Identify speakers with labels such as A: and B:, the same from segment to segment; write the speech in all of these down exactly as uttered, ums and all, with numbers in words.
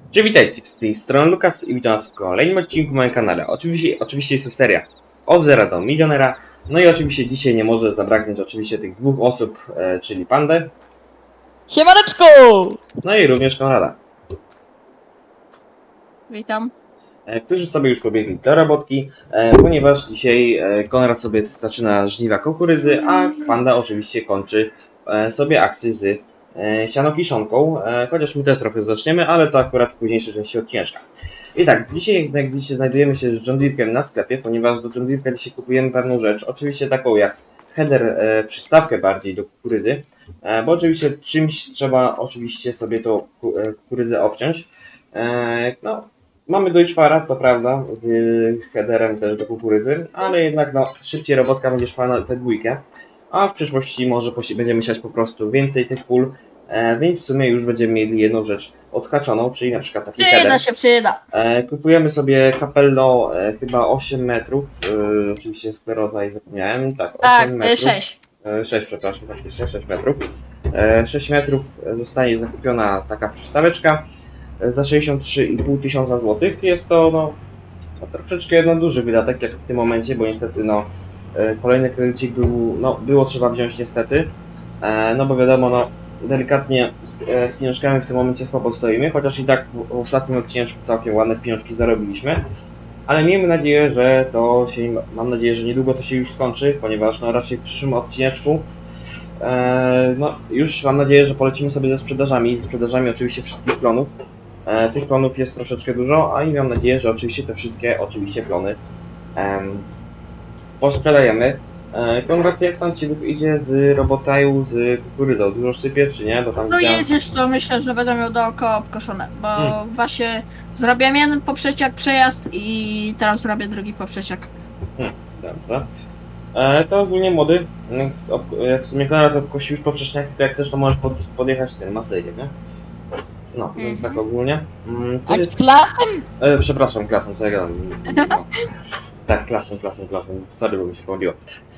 A: Cześć, witajcie, z tej strony Lukas i witam was w kolejnym odcinku na moim kanale. Oczywiście, oczywiście jest to seria od zera do milionera. No i oczywiście dzisiaj nie może zabraknąć oczywiście tych dwóch osób, e, czyli Pandę,
B: Siemaneczko!
A: no i również Konrada,
B: Witam.
A: e, którzy sobie już pobiegli do robotki, e, ponieważ dzisiaj e, Konrad sobie zaczyna żniwa kukurydzy, a Panda oczywiście kończy e, sobie akcję z e, sianokiszonką, e, chociaż my też trochę zaczniemy, ale to akurat w późniejszej części odcinka. I tak, dzisiaj jak widzicie znajdujemy się z John Deere'kiem na sklepie, ponieważ do John Deere'ka dzisiaj kupujemy pewną rzecz, oczywiście taką jak header, e, przystawkę bardziej do kukurydzy, e, bo oczywiście czymś trzeba oczywiście sobie tą ku, e, kukurydzę obciąć. E, no, mamy Deutschfara, co prawda, z headerem też do kukurydzy, ale jednak no, szybciej robotka będzie szła na tę dwójkę, a w przyszłości może będziemy siać po prostu więcej tych pól, e, więc w sumie już będziemy mieli jedną rzecz odhaczoną, czyli na przykład taki
B: Przyda
A: header.
B: się, przyda.
A: E, kupujemy sobie Capello e, chyba osiem metrów, e, oczywiście skleroza i zapomniałem, tak, osiem
B: Tak,
A: metrów.
B: sześć.
A: E, sześć, przepraszam, faktycznie sześć metrów. E, sześć metrów zostanie zakupiona taka przystaweczka e, za sześćdziesiąt trzy i pół tysiąca złotych. Jest to no, no, troszeczkę no, duży wydatek jak w tym momencie, bo niestety no, e, kolejny kredycik był, no, było trzeba wziąć niestety, e, no bo wiadomo, no, delikatnie z, e, z pieniążkami w tym momencie słabo stoimy, chociaż i tak w, w ostatnim odcinku całkiem ładne pieniążki zarobiliśmy. Ale miejmy nadzieję, że to się, mam nadzieję, że niedługo to się już skończy, ponieważ no raczej w przyszłym odcineczku e, no już mam nadzieję, że polecimy sobie ze sprzedażami, ze sprzedażami oczywiście wszystkich klonów. E, tych klonów jest troszeczkę dużo, a i mam nadzieję, że oczywiście te wszystkie oczywiście klony e, posprzedajemy. E, Konrad, jak tam ci idzie z robotaju, z kukurydzą? Dużo sypie, czy nie? Bo tam
B: No
A: widziałem...
B: jedziesz, to myślę, że będę miał dookoła obkoszone, bo
A: Hmm.
B: właśnie zrobiłem jeden poprzeciak przejazd i teraz robię drugi poprzeciak.
A: Hmm, dobrze. E, to ogólnie młody, jak, z, ob, jak w sumie Konrad obkosi już poprzeczniaki, to jak chcesz, to możesz pod, podjechać tym masejkiem, nie? No, więc
B: Mhm.
A: tak ogólnie. Mm, co
B: A
A: jest...
B: klasem?
A: E, przepraszam, klasą, co ja gadam? No. Tak, klasą, klasą, klasą. Sorry, bo mi się pomyliło.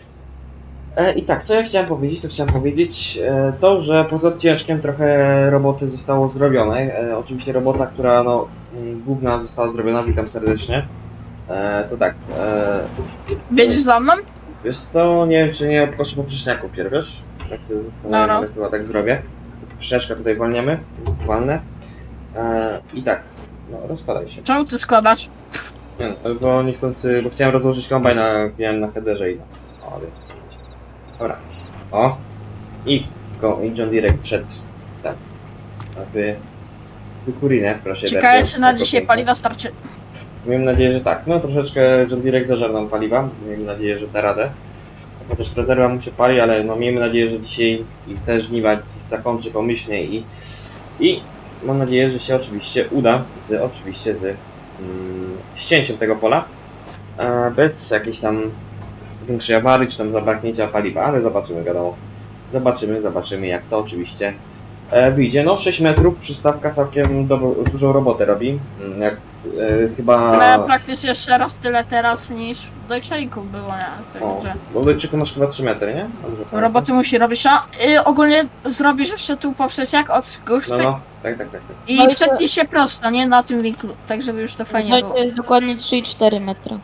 A: E, I tak, co ja chciałem powiedzieć, to chciałem powiedzieć e, to, że poza odcinkiem trochę roboty zostało zrobione. E, oczywiście robota, która no, m, główna została zrobiona, witam serdecznie. E, to tak, e,
B: Wiedziesz za mną?
A: wiesz co, nie wiem czy nie obkoszę poprzeczniaku pierw, wiesz? Tak sobie zastanawiam,
B: No, no.
A: ale chyba tak zrobię. Poprzeczka tutaj walniemy, walnę. E, I tak, no rozkładaj się.
B: Czemu ty składasz?
A: Nie, no, bo niechcący, bo chciałem rozłożyć kombajn na, miałem na headerze i no. O, ale co będzie. Dobra. O! I, go, i John Deere wszedł. Tak. Aby kukurinę, proszę
B: Ciekawe,
A: bardzo.
B: czy na
A: Jako
B: dzisiaj
A: piękne.
B: paliwa starczy.
A: Miejmy nadzieję, że tak. No troszeczkę John Deere zażar nam paliwa. Miejmy nadzieję, że da radę. Chociaż rezerwa mu się pali, ale no miejmy nadzieję, że dzisiaj i te żniwa zakończy pomyślnie i, i mam nadzieję, że się oczywiście uda z oczywiście z mm, ścięciem tego pola. E, bez jakiejś tam większej awarii czy tam zabraknięcia paliwa, ale zobaczymy, wiadomo. Zobaczymy, zobaczymy jak to oczywiście e, wyjdzie. No sześć metrów, przystawka całkiem do, dużą robotę robi. Mm, Jak e, chyba...
B: No, praktycznie jeszcze raz tyle teraz niż w Deutscheliku było, nie?
A: O,
B: Także
A: bo w Deutschiku masz chyba trzy metry, nie? Dobrze pamiętam?
B: roboty musi robić, a y, ogólnie zrobisz jeszcze tu poprzeciak od
A: No,
B: góry
A: no, tak, tak, tak. tak.
B: i
C: No i to-
B: przetnij się prosto, nie? Na tym winklu, tak żeby już to fajnie
C: No i
B: było.
C: to jest dokładnie trzy i cztery metra.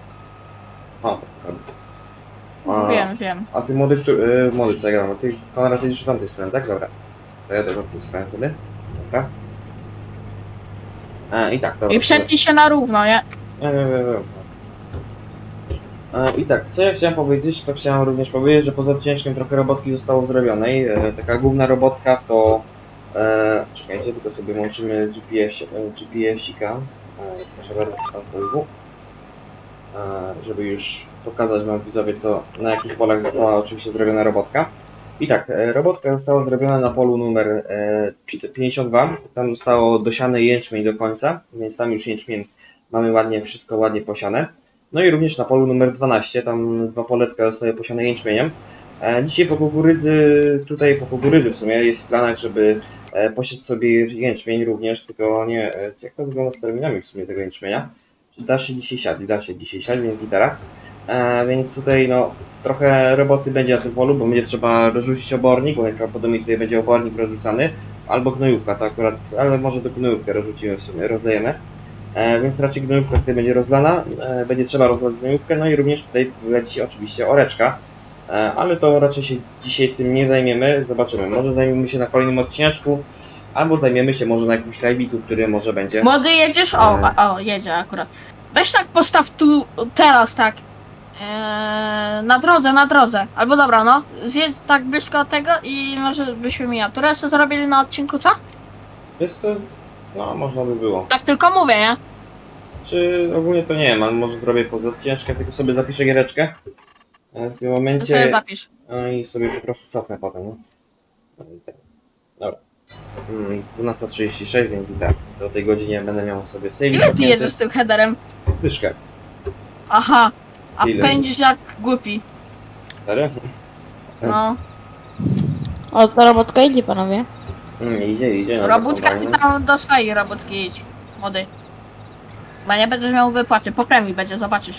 A: O, dobra. A,
B: Wiem, wiem.
A: a ty młody, któ- y, młody co ja gadam, a ty Konrad jedziesz w tamtej stronie, tak? Dobra. To ja też w tej stronie wtedy. Dobra. E, I tak, dobra.
B: I przetnij się na równo, nie?
A: Nie, nie, nie, nie. E, I tak, co ja chciałem powiedzieć, to chciałem również powiedzieć, że poza odcinkiem trochę robotki zostało zrobionej. E, taka główna robotka to... E, czekajcie, tylko sobie łączymy G P S, G P S-ika. E, proszę bardzo, pan e, żeby już pokazać wam widzowie, co, na jakich polach została oczywiście zrobiona robotka. I tak, e, robotka została zrobiona na polu numer e, pięćdziesiąt dwa. Tam zostało dosiane jęczmień do końca, więc tam już jęczmień mamy ładnie, wszystko ładnie posiane. No i również na polu numer dwanaście, tam dwa poletka zostały posiane jęczmieniem. E, dzisiaj po kukurydzy, tutaj po kukurydzy w sumie jest w planach, żeby e, posieć sobie jęczmień również, tylko nie, e, jak to wygląda z terminami w sumie tego jęczmienia. Da się dzisiaj siać, da się dzisiaj siać, więc gitara. E, więc tutaj no trochę roboty będzie na tym polu, bo będzie trzeba rozrzucić obornik, bo najprawdopodobniej tutaj będzie obornik rozrzucany. albo gnojówka, to akurat, ale może do gnojówkę rozrzucimy w sumie, rozlejemy. E, więc raczej gnojówka tutaj będzie rozlana, e, będzie trzeba rozlać gnojówkę, no i również tutaj leci oczywiście oreczka. E, ale to raczej się dzisiaj tym nie zajmiemy, zobaczymy, może zajmiemy się na kolejnym odcineczku, albo zajmiemy się może na jakimś live'iku, który może będzie.
B: Młody jedziesz? O,
A: E.
B: o, jedzie akurat. Weź tak postaw tu, teraz tak. Eee, na drodze, na drodze. Albo dobra, no. Zjedź tak blisko tego i może byśmy miniaturę sobie zrobili na odcinku, co?
A: Jest to, no można by było.
B: Tak tylko mówię, nie?
A: Czy ogólnie to nie wiem, ale może zrobię pod odcineczkę, tylko sobie zapiszę giereczkę e, w tym
B: To
A: momencie.
B: sobie zapisz.
A: No i sobie po prostu cofnę potem, no. No i tak. Dobra. Mm, dwunasta trzydzieści sześć, więc i tak. Do tej godzinie będę miał sobie save.
B: Ile ty jedziesz z tym headerem?
A: Dyszkę.
B: Aha. A
A: Ile?
B: pędzisz jak głupi.
A: Serio?
B: No.
C: O, ta robotka idzie, panowie.
A: Mm, idzie, idzie. no,
B: Robótka ty
A: kombajnem.
B: tam do swojej robótki idź. Młody. Bo nie będziesz miał wypłaty. Po premii będzie, zobaczysz.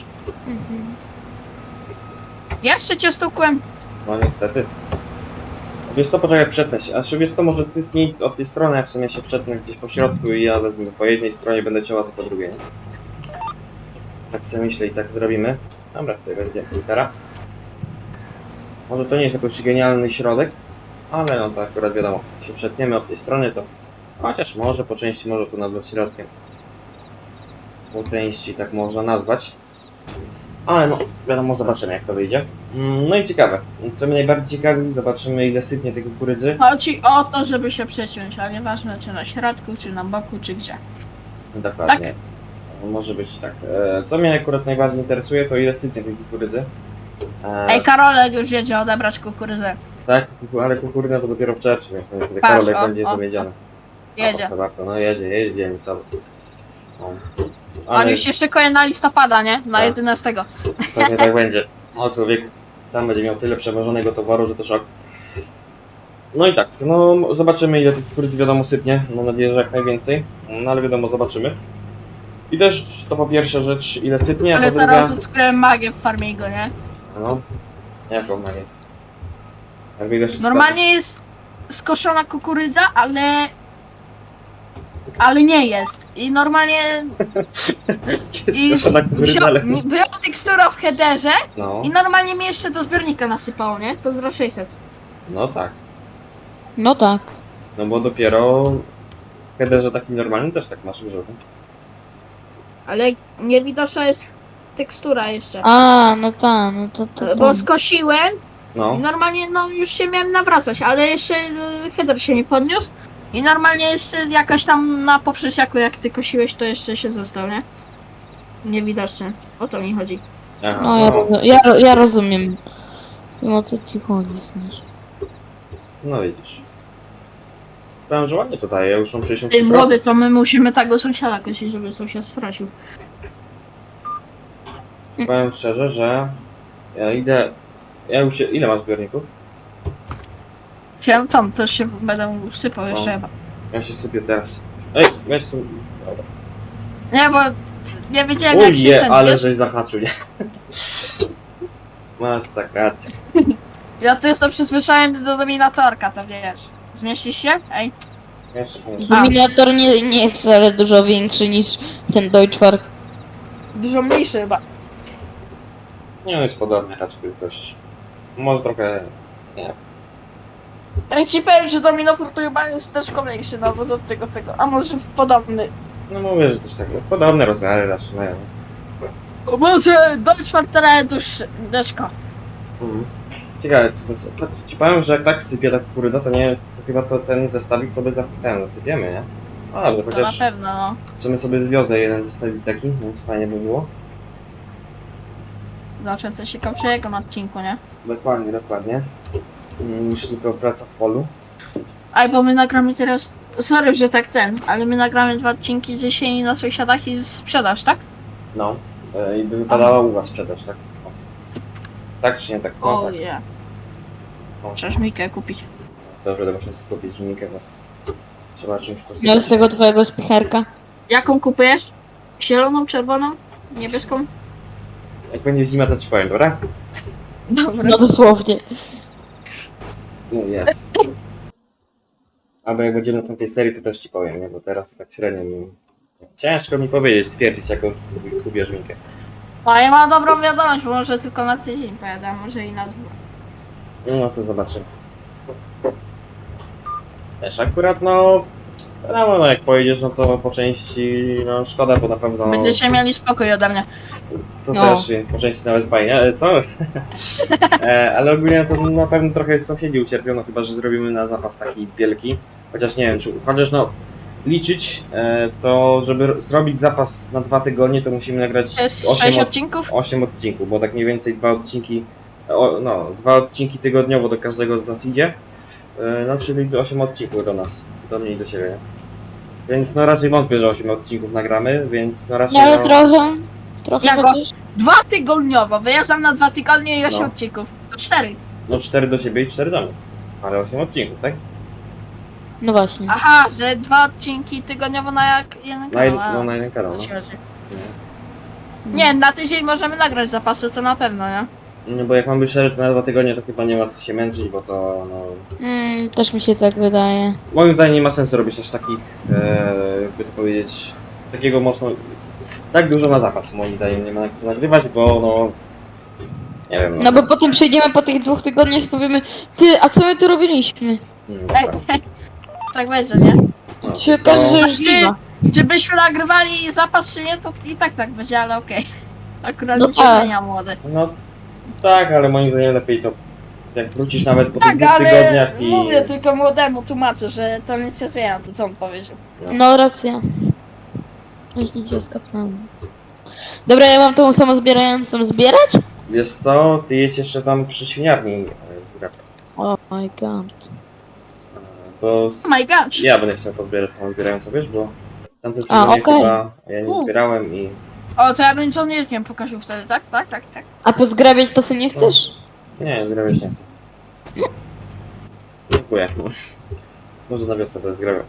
B: Jeszcze cię stukłem.
A: No niestety. Wiesz to, poczekaj, przetnę się. A czy wiesz to, może ty tnij od tej strony, a w sumie się przetnę gdzieś po środku i ja wezmę po jednej stronie, będę ciała, to po drugiej, nie? Tak sobie myślę i tak zrobimy. Dobra, tutaj będzie litera. Może to nie jest jakoś genialny środek, ale no to akurat wiadomo, jak się przetniemy od tej strony, to chociaż może po części może to nazwać środkiem. Po części tak można nazwać. Ale no, wiadomo, zobaczymy jak to wyjdzie. Mm, No i ciekawe, co mnie najbardziej ciekawi, zobaczymy ile sypnie tej kukurydzy.
B: Chodzi o to, żeby się przeciąć, a nieważne czy na środku, czy na boku, czy gdzie.
A: Dokładnie. Może być tak. E, Co mnie akurat najbardziej interesuje, to ile sypnie tej kukurydzy. E,
B: Ej, Karolek już jedzie odebrać kukurydzę.
A: Tak, kuku- ale kukurydza to dopiero w czerwcu, więc niestety
B: Patrz,
A: Karolek
B: o,
A: będzie
B: o,
A: zawiedziony.
B: Jedzie.
A: O, warto, no jedzie, jedzie, nie co. No.
B: On
A: Ale
B: już się szykuje na listopada, nie? Na
A: Tak.
B: jedenastego.
A: pewnie tak będzie. O człowieku, tam będzie miał tyle przewożonego towaru, że to szok. No i tak, no zobaczymy ile tych kukurydzy wiadomo sypnie. Mam nadzieję, że jak najwięcej. No ale wiadomo, zobaczymy. I też to po pierwsza rzecz, ile sypnie, a
B: Ale
A: po
B: teraz
A: druga...
B: odkryłem magię w Farmigo, nie?
A: No, jaką magię? Jak biegać
B: Normalnie jest skoszona kukurydza, ale... Ale nie jest. I normalnie...
A: Jest
B: I
A: skoszona kukurydza,
B: wziął-
A: ale...
B: mi- była tekstura w headerze
A: No,
B: i normalnie mi jeszcze do zbiornika nasypało, nie? Pozdro sześćset.
A: no tak.
C: No tak.
A: No bo dopiero w headerze takim normalnym też tak masz grzechę.
B: Ale niewidoczna jest tekstura jeszcze.
C: A, no tak, no to, to,
B: Bo
C: to.
B: skosiłem
A: No,
B: i normalnie no już się miałem nawracać, ale jeszcze y, header się nie podniósł i normalnie jeszcze jakaś tam na poprzeciaku jak ty kosiłeś to jeszcze się został, nie? Niewidoczny. O to mi chodzi.
A: aha,
C: No, ja,
A: no,
C: roz- ja, ro- ja rozumiem. Wiem o co ci chodzi w sensie.
A: no widzisz. Powiem, że ładnie tutaj, ja już mam sześćdziesiąt
B: Ty
A: trzy
B: młody,
A: procent.
B: to my musimy tego sąsiada kosić, żeby sąsiad stracił.
A: Powiem szczerze, że ja idę... Ja już się... Ile masz zbiorników?
B: Chciałem tam też się będę sypał jeszcze
A: O.
B: chyba.
A: Ja się sypię teraz. Ej, weź tu... Dobra.
B: Nie, bo nie wiedziałem jak się
A: Uje,
B: ten,
A: ale
B: wiesz?
A: żeś zahaczył, nie? Masz tak rację.
B: Ja tu jestem przyzwyczajony do dominatorka, to wiesz. Zmieścisz się? Ej.
A: Jeszcze nie.
B: A.
C: Dominator nie, nie jest wcale dużo większy niż ten Deutschmark.
B: Dużo mniejszy chyba.
A: Nie, on jest podobny raczej wielkości. Może trochę... Nie.
B: Ja ci powiem, że dominator to chyba jest też kolejszy, no bo do tego, tego. A może w podobny.
A: No mówię, że też tak podobne rozmiary raczej mają.
B: O Boże, Deutschmark teraz dłuższy. Deczko.
A: Mhm. Ciekawe, co zas... ci powiem, że jak tak sypie ta kukurydza, to nie, to chyba to ten zestawik sobie za... ten zasypiemy, nie? A dobrze,
B: To na
A: chociaż
B: pewno, no.
A: w sumie sobie zwiozę jeden zestawik taki, więc fajnie by było.
B: Zawsze coś ciekawszego na odcinku, nie?
A: Dokładnie, dokładnie. Mm, Niż tylko praca w polu.
B: Aj, bo my nagramy teraz... Sorry, że tak ten, ale my nagramy dwa odcinki z jesieni na sąsiadach i sprzedaż, tak?
A: No. E, I by wypadała u was sprzedaż, tak? O. Tak czy nie tak? No,
B: O
A: tak.
B: nie.
A: O.
B: Trzeba żmikę kupić.
A: Dobrze, to muszę sobie kupić żmikę, bo trzeba czymś to
C: No
A: sypać.
C: z tego twojego spicherka.
B: Jaką kupujesz? Zieloną, czerwoną? Niebieską?
A: Jak będzie zima, to ci powiem, dobra?
B: Dobra.
C: No dosłownie.
A: No jest. Albo jak będziemy na tamtej serii, to też ci powiem, nie? Bo teraz to tak średnio mi... Ciężko mi powiedzieć, stwierdzić, jaką kupię żminkę.
B: No ja mam dobrą wiadomość, bo może tylko na tydzień pojadę, a może i na dwa.
A: No to zobaczymy. Też akurat no... No, no jak pojedziesz, no to po części, no szkoda, bo na pewno...
B: Będziecie mieli spokój ode mnie.
A: To
C: No.
A: też, więc po części nawet fajnie, ale co? e, ale ogólnie to na pewno trochę sąsiedzi ucierpią, no chyba, że zrobimy na zapas taki wielki. Chociaż nie wiem, czy chociaż no liczyć, e, to żeby r- zrobić zapas na dwa tygodnie, to musimy nagrać
B: To jest
A: osiem
B: sześć
A: od-
B: odcinków?
A: osiem odcinków, bo tak mniej więcej dwa odcinki, o, no, dwa odcinki tygodniowo do każdego z nas idzie. E, no czyli do osiem odcinków do nas, do mnie i do ciebie, nie? Więc no raczej wątpię, że osiem odcinków nagramy, więc no raczej
C: Nie, ale
A: no,
C: trochę. Trochę
B: Jako-
C: chociaż.
B: Dwa tygodniowo, wyjeżdżam na dwa tygodnie i osiem
A: No.
B: odcinków. To cztery.
A: no cztery do ciebie i cztery do mnie. Ale osiem odcinków, tak?
C: No właśnie.
B: Aha, że dwa odcinki tygodniowo na jak jeden
A: Na, jed-
B: kanał. a,
A: no, na jeden kanał,
B: to
A: no.
B: się chodzi. Nie, na tydzień możemy nagrać zapasu, to na pewno, nie?
A: No bo jak mam być szczery, to na dwa tygodnie to chyba nie ma co się męczyć, bo to no...
C: Mm, też mi się tak wydaje.
A: Moim zdaniem nie ma sensu robić aż takich, e, jakby to powiedzieć, takiego mocno... Tak dużo na zapas, moim zdaniem nie ma co nagrywać, bo no... Nie wiem,
C: No bo potem przejdziemy po tych dwóch tygodniach i powiemy, ty, a co my tu robiliśmy?
A: Mm,
B: Ej,
A: dobra.
B: tak będzie, nie?
A: No,
C: To się
A: to-
C: okaże, że już
B: Czy-
C: nie ma.
B: Czy byśmy nagrywali zapas, czy nie, to i tak tak będzie, ale okej. Akurat
C: No
B: nic nie
C: tak.
B: zmienia, młody.
A: No tak, ale moim zdaniem lepiej to... Jak wrócisz nawet po tych
B: Tak,
A: dwóch
B: ale
A: tygodniach i...
B: mówię tylko młodemu, tłumaczę, że to nic nie zmienia, to co on powiedział.
C: No racja. Myślicie, skapnąłem. Dobra, ja mam tą samozbierającą zbierać?
A: Wiesz co, ty jedź jeszcze tam przy świniarni e, z rap.
C: Oh my god.
A: Bo s-
B: Oh my gosh.
A: ja będę chciał pozbierać samą zbierającą, wiesz, bo tamten
C: A,
A: sezonie
C: okej.
A: chyba ja nie
B: U.
A: zbierałem i...
B: O, to ja bym żołnierkiem pokazał wtedy, tak? Tak, tak, tak.
C: A pozgrabiać to sobie nie chcesz?
A: Nie, zgrabiać nie chcę. Dziękuję. Może na wiosnę będę zgrabiał.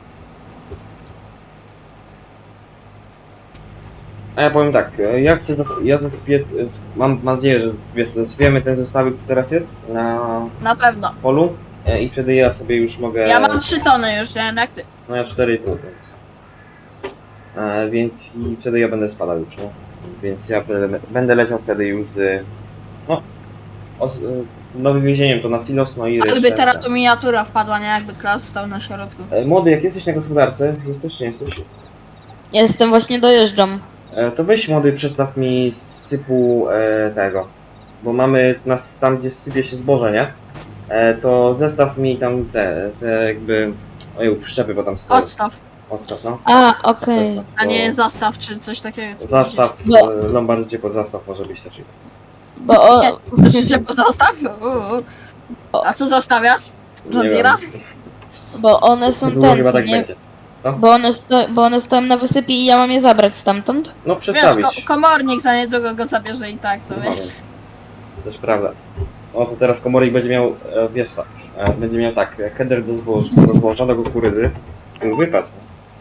A: A ja powiem tak, e, ja chcę, zas- ja zasypię, mam nadzieję, że wiesz, zasypiemy ten zestawik, co teraz jest na
B: Na pewno.
A: polu e, i wtedy ja sobie już mogę...
B: Ja mam trzy tony już, nie wiem jak ty.
A: No ja cztery i pół, więc... E, więc i wtedy ja będę spadał już, no. Więc ja będę, będę leciał wtedy już z... No... O, z, no wywiezieniem to na silos, no i
B: Ale
A: resztę...
B: by teraz tu miniatura wpadła, nie? Jakby klas stał na środku.
A: E, Młody, jak jesteś na gospodarce, jesteś czy nie jesteś?
C: Jestem, właśnie dojeżdżam.
A: E, to weź młody, przestaw mi sypu e, tego. Bo mamy nas tam, gdzie sypie się zboże, nie? E, to zestaw mi tam te, te jakby... Ojej, przyczepy, bo tam stoją.
B: Odstaw,
A: Odstaw, no.
C: A, okej.
A: Zestaw,
B: a nie
A: bo-
B: zastaw czy coś takiego.
A: Zastaw,
C: No.
A: e, Lombard, gdzie pod zastaw może być też.
C: Bo o...
B: Że zastaw? Uuu. A co zostawiasz? John
A: Nie
B: Deere'a?
A: wiem.
C: Bo one są
A: Długo
C: ten,
A: chyba
C: co
A: tak
C: nie?
A: będzie.
C: Bo one, sto... bo one stoją na wysypie i ja mam je zabrać stamtąd.
A: No
B: Wiesz,
A: przestawić.
B: ko komornik za niedługo go zabierze i tak, to
A: No,
B: wiesz.
A: wiem. Też prawda. O, to teraz komornik będzie miał, e, wiesz tak, e, będzie miał tak, e, header do zboża, do zboża, do kukurydzy. Ten wypas.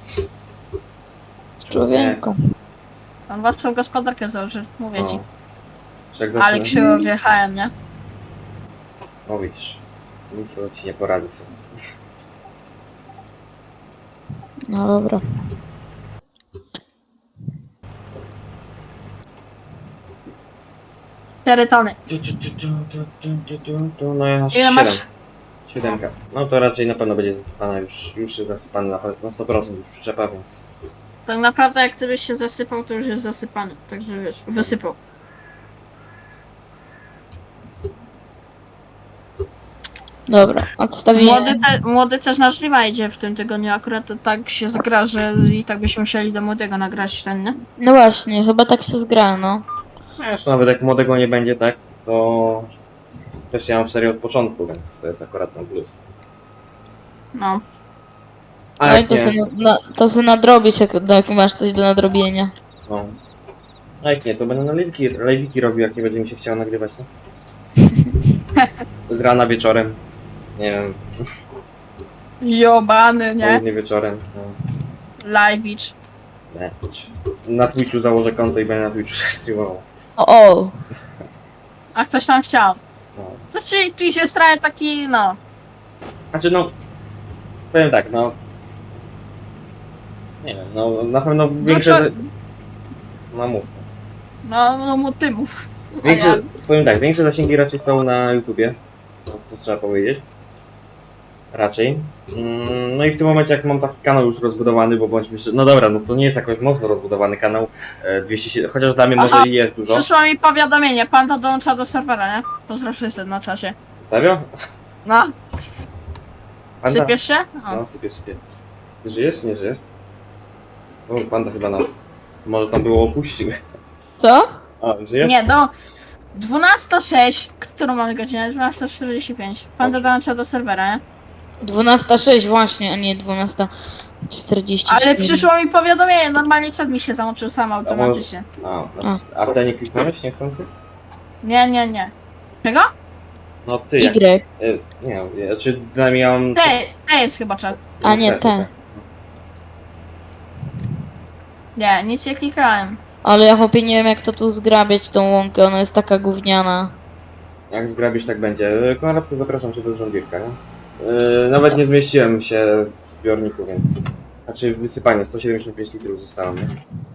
C: Człowieku.
B: On własną gospodarkę założy, mówię ci.
A: Czy jak
B: Ale
A: zacznie...
B: krzywo wjechałem, nie?
A: No widzisz, nic to ci nie poradzi sobie.
C: No dobra.
B: Cztery tony.
A: Tu, tu, tu, tu, tu, tu, tu, tu, tu, No ja aż
B: Ile
A: siedem.
B: masz?
A: Siódemka. No to raczej na pewno będzie zasypana już, już jest zasypany na, na sto procent już przyczepa, więc...
B: Tak naprawdę jak gdybyś się zasypał, to już jest zasypany. Także wiesz, wysypał.
C: Dobra, odstawiłem.
B: Młody, te, młody też na żniwa idzie w tym tygodniu, akurat to tak się zgra, że i tak byśmy musieli do młodego nagrać ten, nie?
C: No właśnie, chyba tak się zgra, no.
A: Wiesz, nawet jak młodego nie będzie, tak, to... Też ja mam serię od początku, więc to jest akurat ten plus.
B: No.
A: A
C: No i
A: jak
C: to
A: nie,
C: sobie, na, to sobie nadrobisz, jak, jak masz coś do nadrobienia.
A: no. A jak nie, to będę na live'iki, live'iki robił, jak nie będzie mi się chciało nagrywać, no. Z rana wieczorem. Nie wiem,
B: Jobany, nie?
A: południe wieczorem. No.
B: Live'icz.
A: Nie. Na Twitchu założę konto i będę na Twitchu streamował.
C: O, o.
B: A ktoś tam chciał.
A: No.
B: Znaczy, tu się straje taki, no.
A: Znaczy no, powiem tak, no... Nie wiem, no na pewno większe...
B: co-
A: No mów.
B: No, no mu ty mów. A
A: Większe,
B: ja-
A: powiem tak, większe zasięgi raczej są na YouTubie, no, to trzeba powiedzieć. Raczej. Mm, No i w tym momencie jak mam taki kanał już rozbudowany, bo bądźmy szczerzy, no dobra, no to nie jest jakoś mocno rozbudowany kanał, e, dwieście siedemdziesiąt, chociaż dla mnie
B: Aha,
A: może i jest dużo.
B: Przyszło mi powiadomienie, panda dołącza do serwera, nie? Pozdrow wszyscy na czasie.
A: Serio?
B: No,
A: Panda?
B: sypiesz się? O.
A: No, sypię, sypię. Ty żyjesz, czy nie żyjesz? O, panda chyba na... Może tam było opuścił.
C: Co?
A: A, żyjesz?
B: Nie, do dwunasta sześć, którą mamy godzinę? dwunasta czterdzieści pięć. Panda dołącza do serwera, nie?
C: dwunasta sześć właśnie, a nie dwunasta czterdzieści cztery.
B: Ale przyszło mi powiadomienie, normalnie czat mi się załączył sam automatycznie.
A: A, no. A w ten nie kliknąłeś niechcący?
B: Nie, nie, nie. Czego?
A: No ty jak...
C: Y.
A: E, nie, ja- czy dynamicznie miałem...
B: Te, te jest chyba czat.
C: A nie,
A: te,
C: te.
B: Nie, nic nie klikałem.
C: Ale ja chłopie nie wiem jak to tu zgrabiać tą łąkę, ona jest taka gówniana.
A: Jak zgrabisz, tak będzie. Konradku, zapraszam cię do żonglirka, nie? Yy, nawet nie zmieściłem się w zbiorniku, więc... Znaczy wysypanie, sto siedemdziesiąt pięć litrów zostało, nie?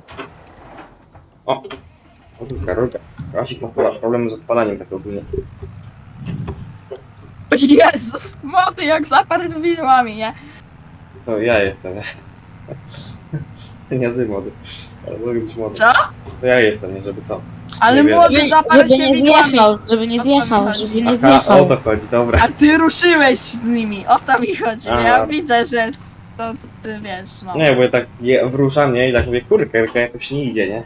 A: O! O, rurka, rurka. Rasik ma chyba problemy z odpalaniem tak ogólnie.
B: O Jezus, młody jak zaparł widłami, nie?
A: To ja jestem, nie? Nie ty młody. Ale mogę być młody.
B: Co?
A: To ja jestem, nie? Żeby co?
B: Ale
A: Nie wiem.
B: młody
C: Żeby,
B: zaparł
C: żeby
B: się
C: nie
B: widłami.
C: zjechał, żeby nie
B: O to mi
C: zjechał,
B: chodzi.
C: żeby nie
A: Aha, o
C: zjechał.
A: to chodzi, dobra.
B: A ty ruszyłeś z nimi, o to mi chodzi.
A: A.
B: Ja widzę, że to ty wiesz, no.
A: Nie, bo ja tak je, wruszam, nie? I tak mówię, kurka, jakoś nie idzie, nie?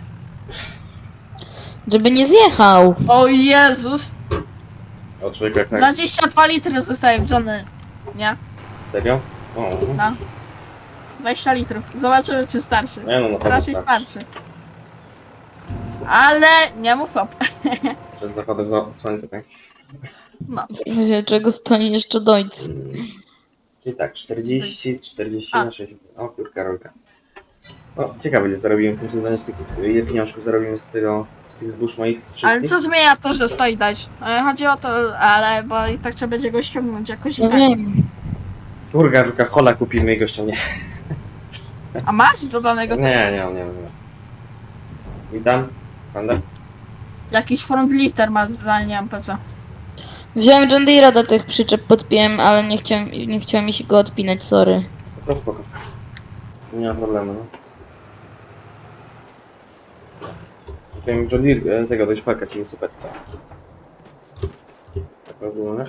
C: Żeby nie zjechał.
B: O Jezus,
A: O, człowiek jak tak...
B: dwadzieścia dwa litry zostaje w Johnny, nie?
A: Serio? O,
B: No. dwadzieścia litrów. Zobaczymy, czy starszy.
A: nie no, na pewno
B: Raczej
A: starczy.
B: starszy. Ale nie mów hop.
A: Przed zachodem za- słońca, tak?
B: No.
C: W razie czego stoi jeszcze dojc.
A: Czyli tak, czterdzieści, czterdzieści
B: A.
A: na sześćdziesiąt. O, kurka, rolka. O, ciekawe, ile zarobimy w tym sezonie z tych, ile pieniążków zarobimy z tego, z tych zbóż moich wszystkich.
B: Ale co zmienia to, że stoi dać? E, Chodzi o to, ale bo i tak trzeba będzie go ściągnąć jakoś i
C: No
B: tak.
C: wiem.
A: Kurka, rolka, hola kupimy i go ściągnie.
B: A masz dodanego
A: Nie,
B: co?
A: nie, nie, nie. Witam, panda.
B: Jakiś front lifter ma, ale nie mam po co.
C: Wziąłem John Deere'a do tych przyczep, podpiłem, ale nie chciałem, nie chciałem mi się go odpinać, sorry.
A: Spoko, spoko. Nie ma problemu, no. Powiem John Deere, e, tego dość falka ci wysypać, co? Tak ogólnie.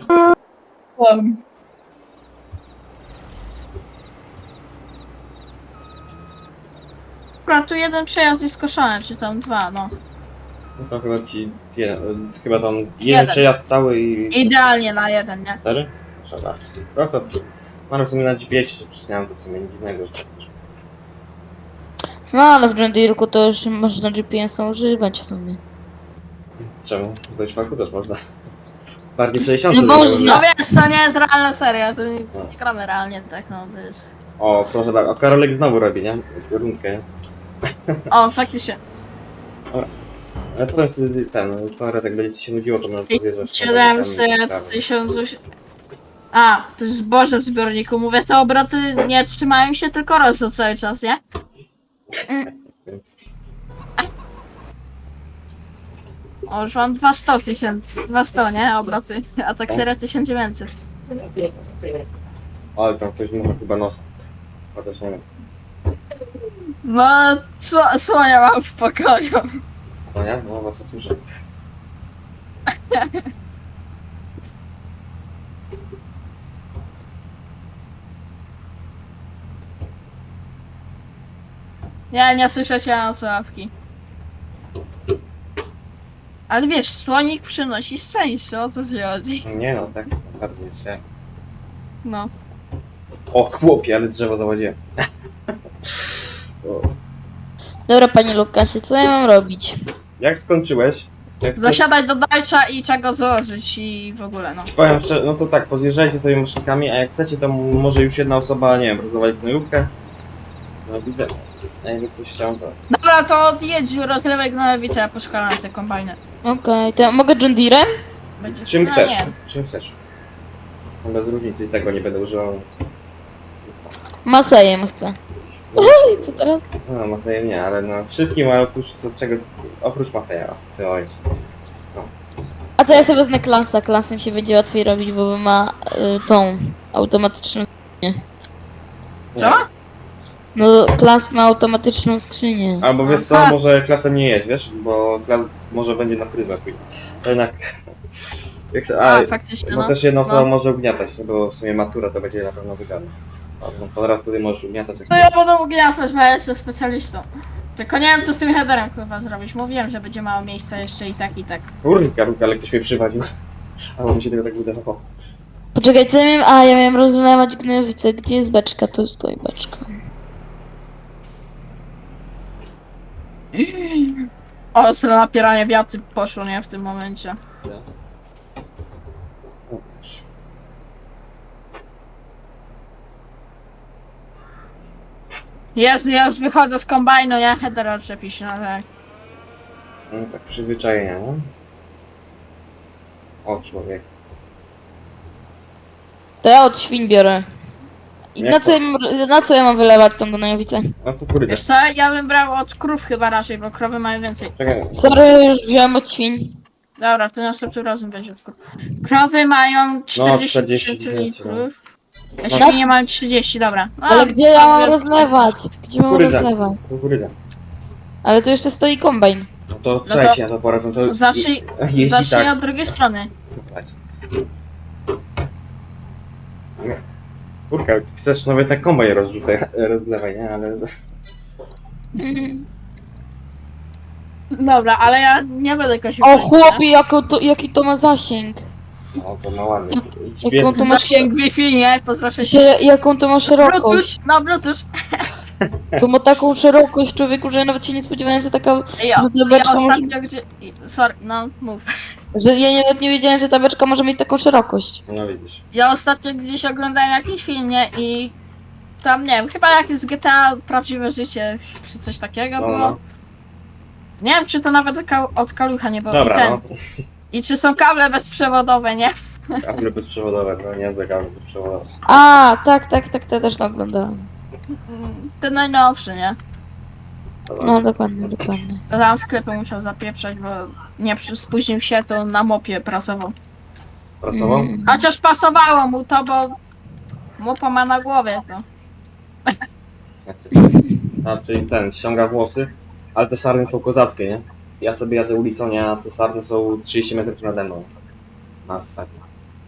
B: Akurat tu jeden przejazd jest skoszony, czy tam dwa, no.
A: No to chyba ci, jeden, e, chyba tam jeden,
B: Jeden.
A: przejazd cały i...
B: Idealnie na jeden, nie?
A: Cztery? Proszę bardzo. No to, no w sumie na G P S się przyczyniałem, to w sumie nic dziwnego, że tak wiesz.
C: No ale w John Deere'ku to już można G P S-a używać w sumie.
A: Czemu? Dość falku też można. Bardziej sześćdziesiąt.
C: No można.
B: No wiesz, to nie jest realna seria, to nie, nie gramy realnie tak, no to jest...
A: O, proszę bardzo. O, Karolek znowu robi, nie? Rundkę, nie?
B: O, faktycznie.
A: Ale potem sobie ten, Konrad, jak będzie ci się nudziło, to może podjeżdżać.
B: siedemset, tysiąc... A, to jest zboże w zbiorniku. Mówię, te obroty nie trzymają się, tylko rosną cały czas, nie? O, już mam dwieście tysięcy, dwieście, nie? Obroty, a tak seria tysiąc dziewięćset.
A: Ale tam ktoś dmucha chyba nosa. Chociaż nie wiem.
B: No, co, słonia mam w pokoju.
A: No nie? No właśnie słyszę.
B: Ja nie słyszę cię na słuchawki. Ale wiesz, słonik przynosi szczęście, o co ci chodzi?
A: Nie no, tak naprawdę jeszcze.
B: No.
A: O chłopie, ale drzewo załadziłem. O.
C: Dobra panie Lukasie, co ja mam robić?
A: Jak skończyłeś? Jak chcesz-
B: Zasiadać do dalsza i czego złożyć i w ogóle, no.
A: Powiem szczerze, no to tak, pozjeżdżajcie sobie maszynkami, a jak chcecie, to może już jedna osoba, nie wiem, rozdawać gnojówkę. No widzę. A jakby ktoś chciał, to...
B: Dobra, to odjedź, rozlewaj gnojowicę, ja poszkalam te kombajny.
C: Okej, to ja mogę John Deere'em?
B: Będziesz...
A: Czym
B: no,
A: chcesz,
B: nie.
A: czym chcesz. No bez różnicy i tego nie będę używał, więc...
C: Masejem chcę. Oj, co teraz?
A: No, Maseja nie, ale no wszystkim, ale oprócz co- czego, oprócz Maseja, w tym momencie.
C: A to ja sobie wezmę klasa. Klasem się będzie łatwiej robić, bo ma y, tą automatyczną skrzynię.
B: Co?
C: No, klas ma automatyczną skrzynię.
A: Albo wiesz co,
B: Aha.
A: może klasem nie jedź, wiesz, bo klas może będzie na pryzmę pójdzie. To jednak... Jak, to- a,
B: A, faktycznie,
A: no
B: no.
A: też jedna osoba
B: No.
A: może ugniatać, bo w sumie matura to będzie na pewno wygadne. No to raz tutaj możesz ugniatać. Jak
B: To ja będę ugniatać, bo ja jestem specjalistą. Tylko nie wiem co z tym headerem kurwa zrobić. Mówiłem, że będzie mało miejsca jeszcze i tak i tak.
A: Kurka, ale ktoś mnie przywadził. Albo mi się tego tak wydawało.
C: Poczekaj, co ja miałem? A, ja miałem rozlewać gnojowice. Gdzie jest beczka? Tu stoi beczka.
B: Ostre napieranie wiatry poszło, nie? W tym momencie. Jezu, ja już wychodzę z kombajnu, nie? Header odczepi się, no tak.
A: No tak przyzwyczajenia, no. O człowiek.
C: To ja od świń biorę. I
A: Jak
C: na co,
A: to?
C: ja mam, na co ja mam wylewać tą gnojowicę?
A: No to kurde.
B: Wiesz co, ja bym brał od krów chyba raczej, bo krowy mają więcej.
A: Czekaj.
C: Sorry, już wziąłem od świń.
B: Dobra, to następnym razem będzie od krów. Krowy mają czterdzieści
A: czterdzieści
B: tysięcy
A: więcej,
B: litrów. A
A: No.
B: świnie mają trzydzieści, dobra. No,
C: Ale gdzie ja mam
B: to-
C: rozlewać? Gdzie mam
A: Kukurydza.
C: rozlewać?
A: Kukurydza.
C: Ale tu jeszcze stoi kombajn.
A: No to trzeba ci na to poradzą, to
B: Zacznij,
A: jeździ
B: zacznij
A: tak.
B: od drugiej strony.
A: Kurka, chcesz nawet na kombaj rozrzucaj, rozlewaj, nie? Ale...
C: Mhm.
B: Dobra, ale ja nie będę kosił.
C: O
B: konia,
C: chłopie, jako to, jaki to ma zasięg.
A: No to ma ładnie.
C: Jak
A: Wiesz,
C: on to
B: nie?
C: ma-
B: Zasięg Wi-Fi, nie? Pozdrawiam
C: Się, jaką to ma szerokość.
B: Bluetooth, no Bluetooth.
C: To ma taką szerokość, człowieku, że ja nawet się nie spodziewałem, że taka...
B: Ja,
C: Że ta
B: ja
C: beczka może...
B: ostatnio gdzie... Sorry, no mów.
C: Że ja nawet nie wiedziałem, że ta beczka może mieć taką szerokość.
A: no widzisz.
B: Ja ostatnio gdzieś oglądałem jakiś film, nie? I tam, nie wiem, chyba jakieś z G T A Prawdziwe Życie, czy coś takiego
A: No,
B: było.
A: no.
B: Nie wiem, czy to nawet od kal- od kalucha nie było. I,
A: Dobra,
B: ten.
A: no.
B: I czy są kable bezprzewodowe, nie?
A: Kable bezprzewodowe, no nie te kable bezprzewodowe.
C: A, tak, tak, tak, to ja też to oglądałem.
B: Mm, Ten najnowszy, nie?
A: Dobra.
C: No, dokładnie, dokładnie.
B: To tam sklepy musiał zapieprzać, bo nie przy- spóźnił się, to na mopie prasował.
A: Prasował?
C: Mm.
B: Chociaż pasowało mu to, bo mopa ma na głowie to.
A: A, czyli ten, ściąga włosy, ale te sarny są kozackie, nie? Ja sobie jadę ulicą, nie? A te sarny są trzydzieści metrów nade mną. Masakra.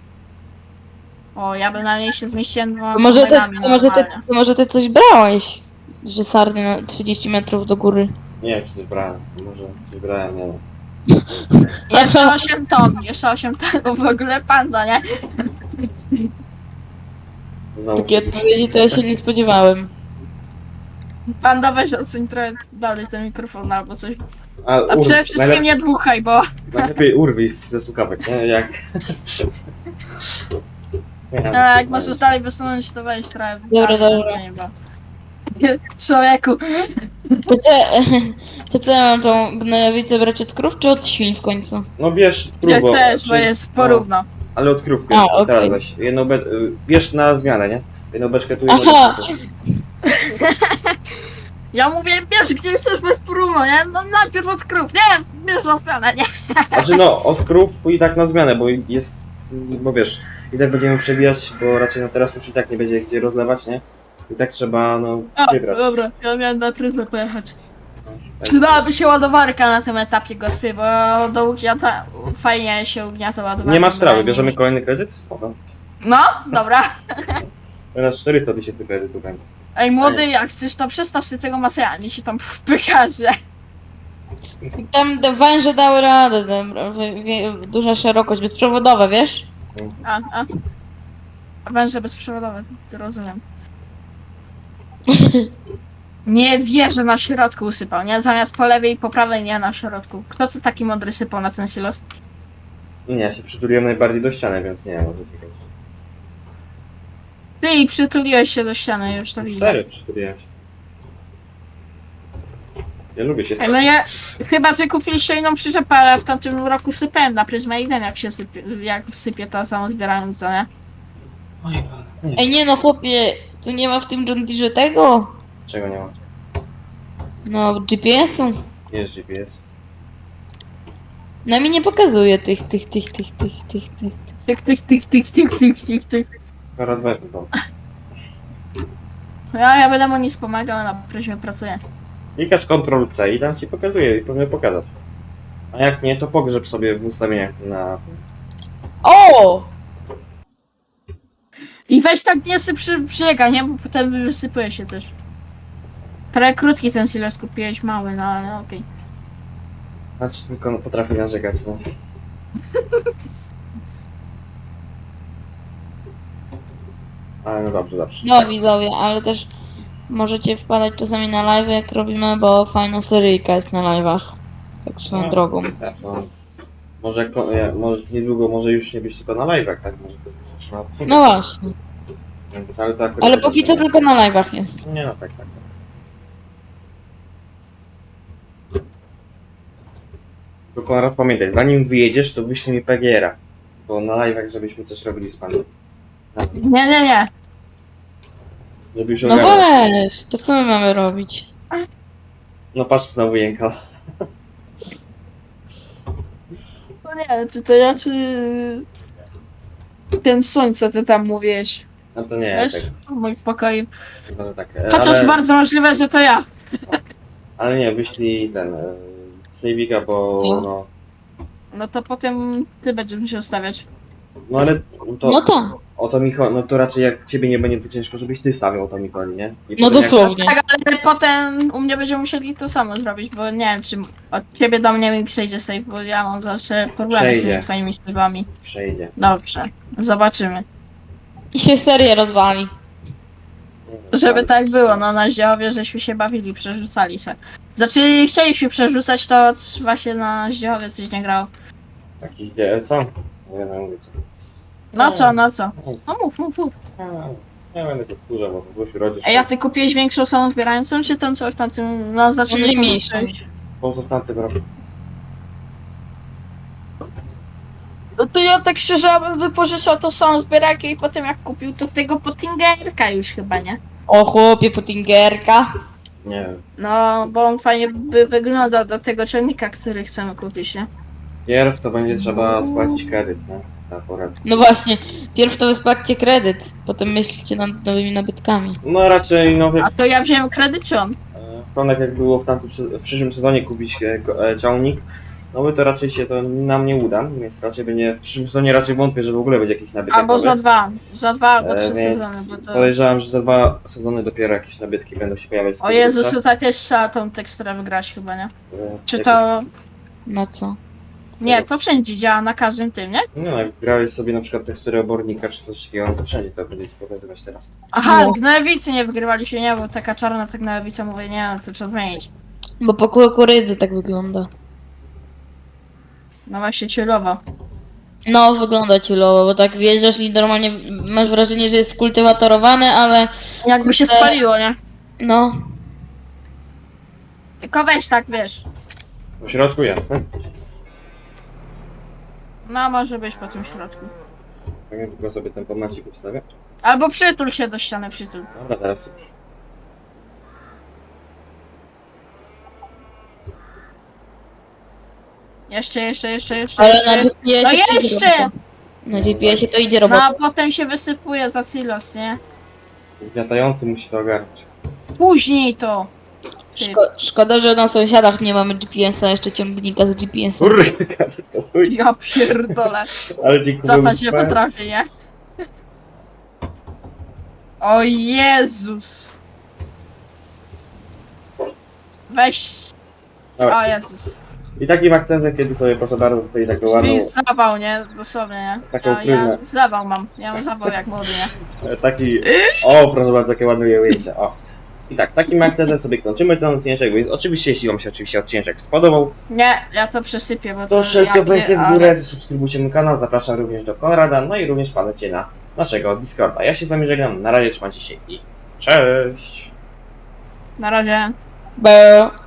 B: O, ja bym na niej się zmieściłem dwoma
C: To może, ty,
B: kolegami
C: to, może ty,
B: normalnie.
C: to może ty coś brałeś? Że sarny na trzydzieści metrów do góry.
A: Nie wiem, czy coś brałem. Może coś brałem, nie wiem.
B: Jeszcze osiem ton, jeszcze osiem ton, w ogóle panda, nie?
A: Znowu
C: Takiej
A: się-
C: odpowiedzi to ja się nie spodziewałem.
B: Panda, weź odsuń trochę dalej ten mikrofon albo coś.
A: A,
B: A
A: ur-
B: przede wszystkim
A: najlep-
B: nie dmuchaj, bo...
A: Najlepiej urwij ze słuchawek, nie? Jak... Nie,
B: No, jak możesz dalej wysunąć, to weź trochę.
C: Dobra,
B: dalej,
C: dobra.
B: nie, bo... Człowieku,
C: To co, to co ja mam tą gnojowicę brać od krów, czy od świń w końcu?
A: No bierz
B: gdzie
A: próbo,
B: chcesz, bo
A: czy-
B: jest porówno.
A: Ale od krówki,
C: A,
A: teraz
C: okej.
A: weź. Jedną be... y, bierz na zmianę, nie? Jedną beczkę tu, jedną
C: Aha.
A: beczkę tu.
B: Ja mówię, wiesz, gdzie chcesz bez porówno, nie? No najpierw od krów, nie? Bierz na zmianę, nie?
A: Znaczy no, od krów i tak na zmianę, bo jest... Bo wiesz, i tak będziemy przebijać, bo raczej no teraz już i tak nie będzie gdzie rozlewać, nie? I tak trzeba, no,
B: A,
A: wybrać.
B: dobra, ja miałem na pryzmę pojechać.
A: No, tak.
B: Przydałaby się ładowarka na tym etapie, gospie, bo do ugniata fajnie się ugniata ładowarka.
A: Nie ma sprawy,
B: bynajmniej.
A: bierzemy kolejny kredyt? Spoko.
B: No, dobra.
A: Teraz czterysta tysięcy kredytu będzie.
B: Ej, młody, jak chcesz, to przestaw się tego Maseja, nie się tam wpyka, że...
C: Tam te węże dały radę, dobra, wi- wi- duża szerokość, bezprzewodowa, wiesz?
B: A, a. Węże bezprzewodowe, to rozumiem. Nie wierzę, na środku usypał, nie? Zamiast po lewej i po prawej, nie na środku. Kto to taki mądry sypał na ten silos?
A: Nie, ja się przytuliłem najbardziej do ściany, więc nie wiem.
B: Ty i przytuliłeś się do ściany, już to widzę.
A: Serio przytuliłem się. Ja lubię się...
B: Ej, no ja, chyba, że kupiliście inną przyczepę, ale w tamtym roku sypałem na pryzmę i wiem, jak się sypie, jak wsypie to samo zbierając, co nie?
A: Oj, nie.
C: Ej, nie no chłopie, Tu nie ma w tym John Deere tego?
A: Czego nie ma?
C: No, G P S-u.
A: Jest G P S.
C: No mi nie pokazuje tych, tych, tych, tych, tych, tych, tych. tych.
B: Tyk, tyk, tyk, tyk, tyk, tyk, tyk, tyk.
A: Akurat weźmy to.
B: Ja, ja będę mu nic pomagał, na prezie pracuję.
A: Klikasz kontrol C i tam ci pokazuje i powinien pokazać. A jak nie, to pogrzeb sobie w ustawieniach na...
C: O!
B: I weź tak nie syp przy brzega, nie? Bo potem wysypuje się też. Trochę krótki ten silos kupiłeś, mały, no ale okej.
A: Znaczy tylko no, potrafi narzekać, no. Ale no dobrze, dobrze.
C: No widzowie, ale też możecie wpadać czasami na live jak robimy, bo fajna seryjka jest na live'ach. Tak swoją
A: No.
C: drogą.
A: Tak, no. Może, ko- ja- może niedługo może już nie być tylko na live'ach, tak? Może to trzeba
C: No właśnie.
A: Więc, ale to akurat
C: Ale póki co tylko na live'ach jest.
A: Nie no, tak, tak. tak. Tylko Konrad, pamiętaj, zanim wyjedziesz, to wyślij mi P G R-a. Bo na live'ach, żebyśmy coś robili z panem.
B: Nie, nie, nie.
A: Żeby już
C: No
A: ogarnąć.
C: weź, to co my mamy robić?
A: No patrz, znowu jęka.
B: No nie, czy to ja, czy... Ten słoń, co ty tam mówiłeś.
A: No to nie,
B: Wiesz?
A: tak.
B: W moim pokoju.
A: Chyba to tak. e,
B: Chociaż
A: Ale,
B: bardzo możliwe, że to ja.
A: ale nie, wyślij ten... e, Sejwika, bo
C: No.
A: no...
B: No to potem ty będziesz musiał stawiać.
A: No ale to...
C: No to.
A: O to mi chodzi, no to raczej jak ciebie nie będzie, to ciężko, żebyś ty stawiał, o to mi chodzi, nie? I
C: No
A: potem jak-
C: dosłownie.
B: Tak, ale potem u mnie będziemy musieli to samo zrobić, bo nie wiem, czy od ciebie do mnie mi przejdzie save, bo ja mam zawsze problemy z
A: Przejdzie.
B: tymi twoimi save'ami.
A: Przejdzie.
B: Dobrze, zobaczymy.
C: I się serię rozwali.
B: Żeby tak było, no na Zdziechowie żeśmy się bawili, przerzucali się. Znaczy chcieliśmy przerzucać, to właśnie na Zdziechowie coś nie grało.
A: Jakiś D L co? Nie wiem, mówię co.
B: No co, no co?
A: Nic.
B: No mów, mów, mów.
A: A, Nie będę go wkurzał, bo Gosiu rodzisz.
B: Ej, a ty kupiłeś większą samą zbierającą, czy tą co w tamtym, no znaczy
C: No najmniejszą.
A: Po co w tamtym roku?
B: No to ja tak szczerze ja bym wypożyczał tą samą zbierajkę i potem jak kupił to tego Pottingerka już chyba, nie?
C: O chłopie, Pottingerka.
A: Nie wiem.
B: No, bo on fajnie by wyglądał do tego ciągnika, który chcemy kupić, nie?
A: Pierw to będzie trzeba spłacić kredyt, nie? Na porę.
C: No właśnie, pierw to wyspłaćcie kredyt, potem myślcie nad nowymi nabytkami.
A: No raczej, no wie,
B: A to ja wziąłem kredyt czy on?
A: Tonek jak było w, tamtym, w przyszłym sezonie kupić e, go- e, ciągnik, no by to raczej się to nam nie uda, więc raczej będzie, w przyszłym sezonie raczej wątpię, że w ogóle będzie jakiś nabytek
B: Albo
A: nowy.
B: za dwa, za dwa albo trzy
A: E, więc
B: sezony, bo to...
A: podejrzewam, że za dwa sezony dopiero jakieś nabytki będą się pojawiać. z
B: O
A: tego
B: Jezus,
A: grubsza.
B: tutaj też trzeba tą teksturę wygrać chyba, nie?
A: E,
B: Czy
A: jak-
B: to...
C: Na co?
B: Nie, to wszędzie działa, na każdym tym, nie?
A: No, jak grałeś sobie na przykład teksturę obornika czy coś takiego, no to wszędzie to będzie ci pokazywać teraz.
B: Aha,
C: No.
B: gnojowicy nie wygrywali się, nie, bo taka czarna ta gnojowica, mówię, nie, to trzeba zmienić.
C: Bo po kukurydzy tak wygląda.
B: No właśnie ciulowo.
C: No, wygląda ciulowo, bo tak wjeżdżasz i normalnie masz wrażenie, że jest skultywatorowany, ale
B: Jakby się spaliło, nie?
C: no,
B: Tylko weź tak, wiesz.
A: W środku jasne.
B: No, może być po tym środku.
A: Tak, ja tylko sobie ten pomacik ustawię.
B: Albo przytul się do ściany, przytul.
A: Dobra, teraz już.
B: Jeszcze, jeszcze, jeszcze, jeszcze,
C: ale
B: jeszcze.
C: na G P S-ie
B: No
C: to idzie
B: jeszcze!
C: robota. Na G P S-ie to idzie
B: No
C: robota.
B: a potem się wysypuje za silos, nie?
A: Gniatający musi to ogarnąć.
B: Później to. Ty.
C: Szko szkoda, że na sąsiadach nie mamy G P S-a, jeszcze ciągnika z G P S-a.
A: Kurde, to stój.
B: Ja pierdolę.
A: Ale ci
B: Cofać nie
A: kupił
B: potrafię, nie? O Jezus. Weź.
A: Dobra.
B: O Jezus.
A: I takim akcentem, kiedy sobie proszę bardzo tutaj taką ładną,
B: Drzwi zawał, nie? Dosłownie, nie?
A: Taką
B: Ja, ja
A: krywę.
B: zawał mam. Ja mam zawał jak młody, nie?
A: e, taki, o proszę bardzo, takie ładne ujęcie, o. I tak, takim akcentem sobie kończymy ten odcinek, więc oczywiście, jeśli wam się oczywiście odcinek spodobał,
B: Nie, ja to przesypię, bo to...
A: to szybko
B: ja
A: wejdźcie w
B: ale-
A: górę, subskrybujcie mój kanał, zapraszam również do Konrada, no i również wpadajcie na naszego Discorda. Ja się z wami żegnam, na razie trzymajcie się i cześć!
B: Na razie.
C: Bo...